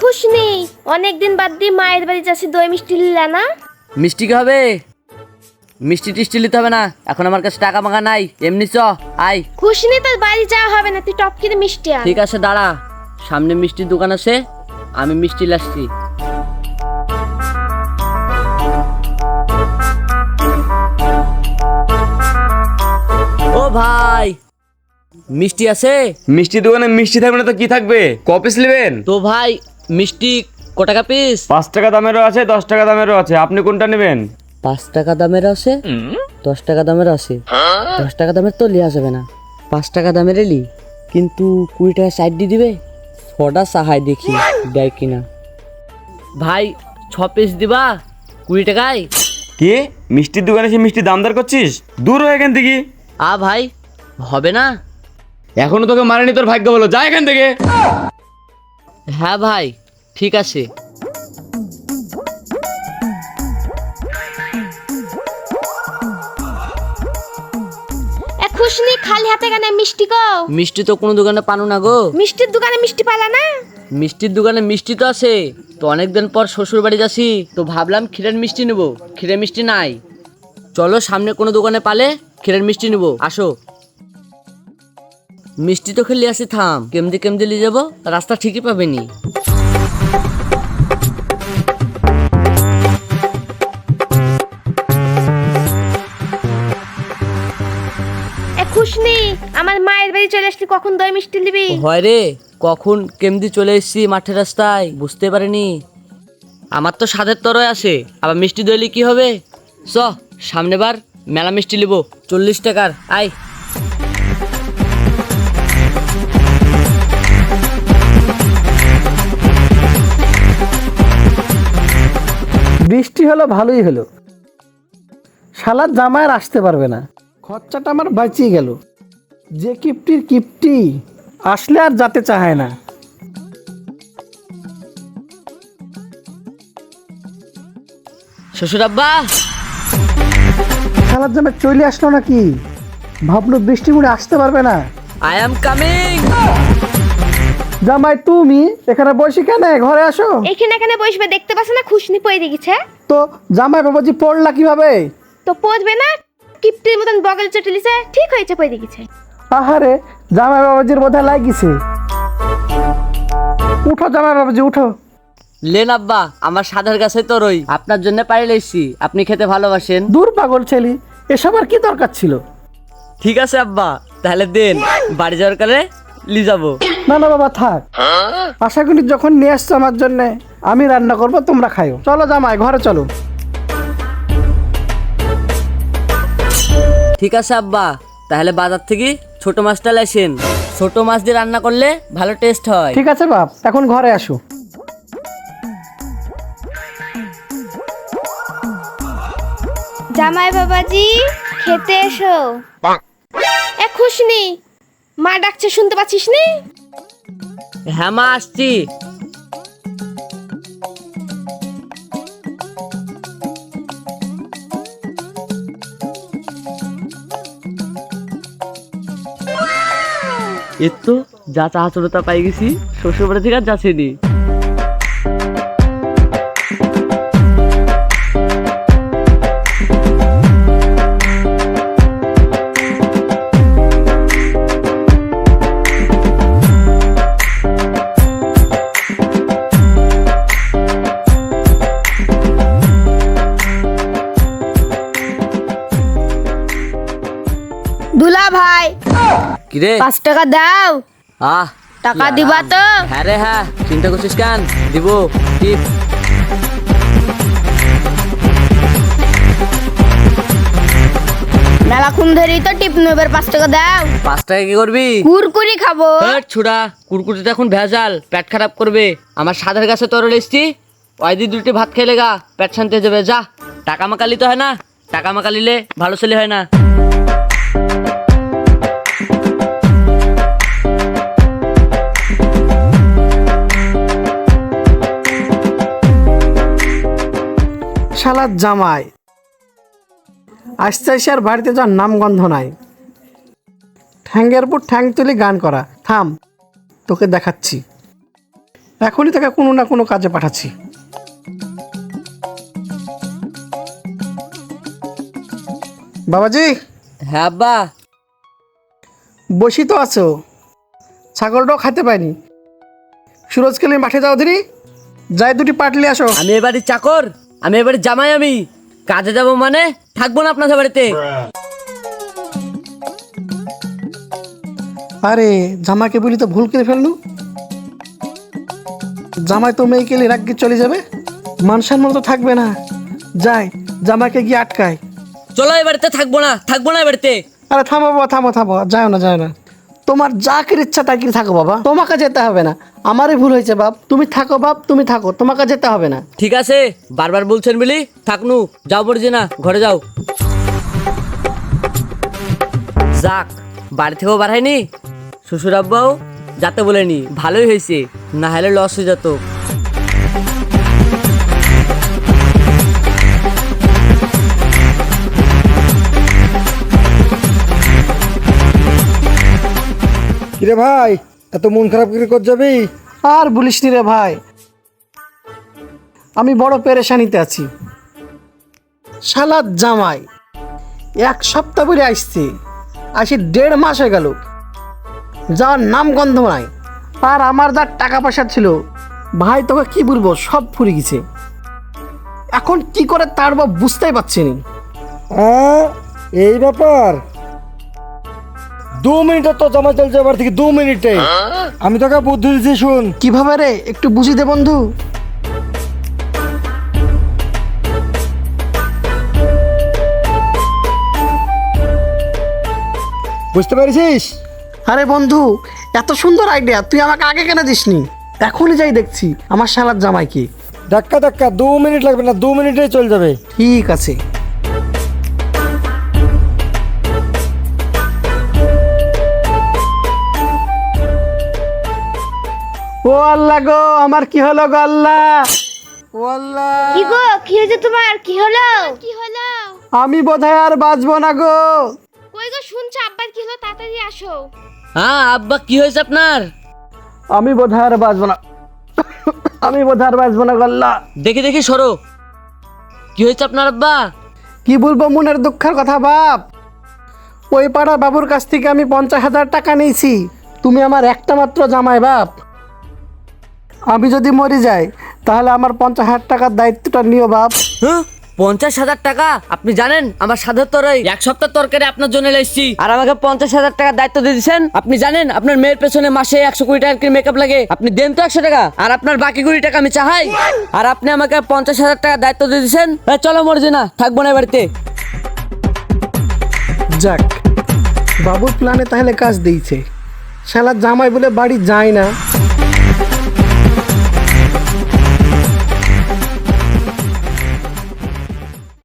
খুশনি অনেকদিন বাদ দিয়ে মায়ের বাড়ি যাচ্ছি, দই মিষ্টি লিলা না? মিষ্টি কি হবে? মিষ্টি টিষ্টি নিতে হবে না, এখন আমার কাছে টাকা মাখা নাই, এমনি চ আয়। খুশনি তোর বাড়ি যাওয়া হবে না, তুই টপ কিনে মিষ্টি আন। ঠিক আছে দাঁড়া, সামনে মিষ্টির দোকান আছে, আমি মিষ্টি লাসছি। ও ভাই, মিষ্টি আছে? মিষ্টি দোকানে মিষ্টি থাকবে না তো কি থাকবে? ক পিস নেবেন? তো ভাই মিষ্টি ক টাকা পিস? 5 টাকা দামেরও আছে, 10 টাকা দামেরও আছে, আপনি কোনটা নেবেন? 5 টাকা দামের আছে, 10 টাকা দামের আছে। 10 টাকা দামের তো লিয়া যাবে না, 5 টাকা দামের এলি, কিন্তু 20 টাকা সাইড দিয়ে দিবে। ছটা সাহাই দেখি দেয় কিনা। ভাই 6 পিস দিবা 20 টাকায়? কি মিষ্টির দোকানে এসে মিষ্টি দাম দর করছিস? দূর হয়ে এখান থেকে। ভাই হবে না? এখনো তোকে মারেনি, তোর ভাগ্য বলো, যা এখান থেকে। হ্যাঁ ভাই ঠিক আছে। খুশনি খালি হাতে কেন মিষ্টি গো? মিষ্টি তো কোনো দোকানে পানো না গো। মিষ্টির দোকানে মিষ্টি পালা না? মিষ্টির দোকানে মিষ্টি তো আছে, তো অনেকদিন পর শ্বশুর বাড়ি যাচ্ছি, তো ভাবলাম ক্ষীরের মিষ্টি নেবো, ক্ষীরের মিষ্টি নাই। চলো সামনে কোনো দোকানে পালে ক্ষীরের মিষ্টি নেবো, আসো। মিষ্টি তো খেলে আসি, থাম, কেমদি কেমদি নিয়ে যাবো, রাস্তা ঠিকই পাবেনি। খুশনি আমার মায়ের বাড়ি চলে আসলি, কখন দই মিষ্টি নিবি? হয় রে, কখন কেমদি চলে এসেছি মাঠের রাস্তায়, বুঝতে পারিনি। আমার তো স্বাদের তরয় আছে, আবার মিষ্টি দইলে কি হবে? চ সামনে বার মেলা মিষ্টি নিব, 40 টাকার, আয়। বৃষ্টি হলো ভালোই হলো, শালার জামাইয়ের আসতে পারবে না, খরচাটা আমার বাঁচিয়ে গেল। যে কিপটির কিপটি আসলে আর যেতে চায় না। শ্বশুর আব্বা, শালার জামাই চলে আসলো নাকি? ভাবলো বৃষ্টি মুড়ে আসতে পারবে না। I am coming. জামাই তুমি এখানে বসে কেন? ঘরে আসো। এখানে এখানে বসবে, দেখতে পাচ্ছ না খুশনি পড়ে গেছে? তো জামাই বাবাজি পড়লা কিভাবে? তো পড়বে না, কিপটির মতন বগল চটলিছে, ঠিক হয়েছে পড়ে গেছে। আহারে জামাই বাবাজির বোধহয় লাগিছে। উঠো জামাই বাবাজি উঠো। লেন আব্বা, আমার সাদের কাছে তো রই, আপনার জন্য পাইলে এসছি, আপনি খেতে ভালোবাসেন। দূর পাগল ছেলে, এসব আর কি দরকার ছিল? ঠিক আছে আব্বা, তাহলে দেন, বাড়ি যাওয়ার কালে লি যাবো। না না বাবা থাক, আশা করি যখন নিয়ে আসছো আমার জন্য আমি রান্না করব, তোমরা খাইও। চলো জামাই ঘরে চলো। ঠিক আছে আব্বা, তাহলে বাজার থেকে ছোট মাছটা লেসেন, ছোট মাছ দিয়ে রান্না করলে ভালো টেস্ট হয়। ঠিক আছে বাপ, এখন ঘরে আসো। জামাই বাবাজি খেতে এসো। খুশনি মা ডাকছে, শুনতে পাচ্ছিস নি? হ্যাঁ মা, আসছি। এর তো যা চাহাচরতা পাই গেছি, শ্বশুর বাড়ি থেকে আর যাচ্ছেনি। দুলা ভাই কিরে 5 টাকা দাও। টাকা কি দিবা আরাম। তো? হ্যাঁ রে হ্যাঁ, চিন্তা করছিস কেন, দিব। টিপ মেলাক্ষণ ধরেই তো টিপ নেবার, 5 টাকা দাও। 5 টাকা কি করবি? কুরকুরি খাবো। ছুড়া, কুরকুরিতে এখন ভেজাল, পেট খারাপ করবে। আমার সাদের কাছে তরল এসছি, ওই দিয়ে 2টি ভাত খেলে গা পেট শান্তি হয়ে যাবে। যা, টাকা মাকালি তো হয় না, টাকা মাকালিলে ভালো ছেলে হয় না। শালার জামাই আস্তে আস্তে আর বাড়িতে যাওয়ার নাম গন্ধ নাই। ঠ্যাঙ্গের উপর ঠ্যাং তুলে গান করা। থাম, তোকে দেখাচ্ছি। এখনই তাকে কোনো না কোনো কাজে পাঠাচ্ছি। বাবাজি, হ্যাঁ আব্বা। বসি তো আছো, ছাগলটাও খাইতে পাইনি। সুরজকালী মাঠে যাও দিনি, যাই দুটি পাটলি আসো। আমি এবারে চাকর, আমি এবারে জামাই, আমি কাজে যাব মানে থাকবো না আপনাদের বাড়িতে। আরে জামাকে বলি তো ভুল করে ফেললু। জামাই তো মেয়ে কেলে রাগ চলে যাবে, মান সম্মান তো থাকবে না। যাই জামাকে গিয়ে আটকায়। চলো এ বাড়িতে থাকবো না, থাকবো না এ বাড়িতে। আরে থামো বাবা, থামো থামো, যাও না যাও না। তোমার যা করে ইচ্ছা তাই করে থাকো বাবা, তোমাকে যেতে হবে না। আমারই ভুল হয়েছে বাপ, তুমি থাকো বাপ, তুমি থাকো, তোমাকে যেতে হবে না। ঠিক আছে, বারবার বলছেন বলি থাকনু, যাও পড়ছি না, ঘরে যাও। যাক, বাড়ি থেকেও বাড়ায়নি, শ্বশুর আব্বাও যাতে বলেনি, ভালোই হয়েছে, না হলে লস হয়ে যেত। কিরে ভাই, এত মন খারাপ করে কর যাবি? আর বলিস নি রে ভাই, আমি বড় পেরেশানিতে আছি। শালার জামাই 1 সপ্তাহ পরে আসছে, আসি 1.5 মাস হয়ে গেল, যাওয়ার নাম গন্ধ নাই। আর আমার যা টাকা পয়সা ছিল ভাই, তোকে কি বলবো, সব ফুরে গেছে। এখন কি করে তার বাপ বুঝতেই পারছি না। এই ব্যাপার, 2 মিনিটে তো জমা চলছে এবার থেকে, 2 মিনিটে। আমি তোকে বুদ্ধি দিচ্ছি, শুন। কিভাবে রে, একটু বুঝি দে বন্ধু। বুঝতে পেরেছিস? আরে বন্ধু, এত সুন্দর আইডিয়া, তুই আমাকে আগে কেন দিসনি? এখনই যাই দেখছি আমার শালার জামাইকে। ধাক্কা ধাক্কা, 2 মিনিট লাগবে না, 2 মিনিটেই চলে যাবে। ঠিক আছে। ও আল্লাহ গো, আমার কি হলো গো আল্লাহ, ও আল্লাহ। কি গো, কি হয়েছে তোমার? কি হলো? কি হলো? আমি বোধহয় আর বাঁচবো না গো। কই গো, শুনছো আব্বার কি হলো? তাড়াতাড়ি আসো। হ্যাঁ আব্বা, কি হয়েছে আপনার? আমি বোধহয় আর বাঁচবো না, আমি বোধহয় আর বাঁচবো না গো আল্লাহ। দেখি দেখি সরো, কি হয়েছে আপনার আব্বা? কি বলবো মনের দুঃখের কথা বাপ। ওই পাড়ার বাবুর কাছ থেকে আমি 50,000 টাকা নিয়েছি। তুমি আমার একটা মাত্র জামাই বাপ, আমি যদি মরে যাই তাহলে আমার 50,000 টাকার দায়িত্বটা নিও বাপ। হ্যাঁ, 50,000 টাকা? আপনি জানেন আমার সাধের তরই 1 সপ্তাহ তরকারি আপনার জন্য এসেছি, আর আমাকে 50,000 টাকার দায়িত্ব দিয়ে দিচ্ছেন। আপনি জানেন আপনার মেয়ের পেছনে মাসে 100 কোটি টাকার মেকআপ লাগে, আপনি দেন তো 100 টাকা, আর আপনার বাকি কোটি টাকা আমি চাই, আর আপনি আমাকে 50,000 টাকার দায়িত্ব দিয়ে দিচ্ছেন। চলো মরজি না, থাকবো না এ বাড়িতে। যাক, বাবুর প্ল্যানে তাহলে কাজ দিয়েছে। শালা জামাই বলে বাড়ি যায় না,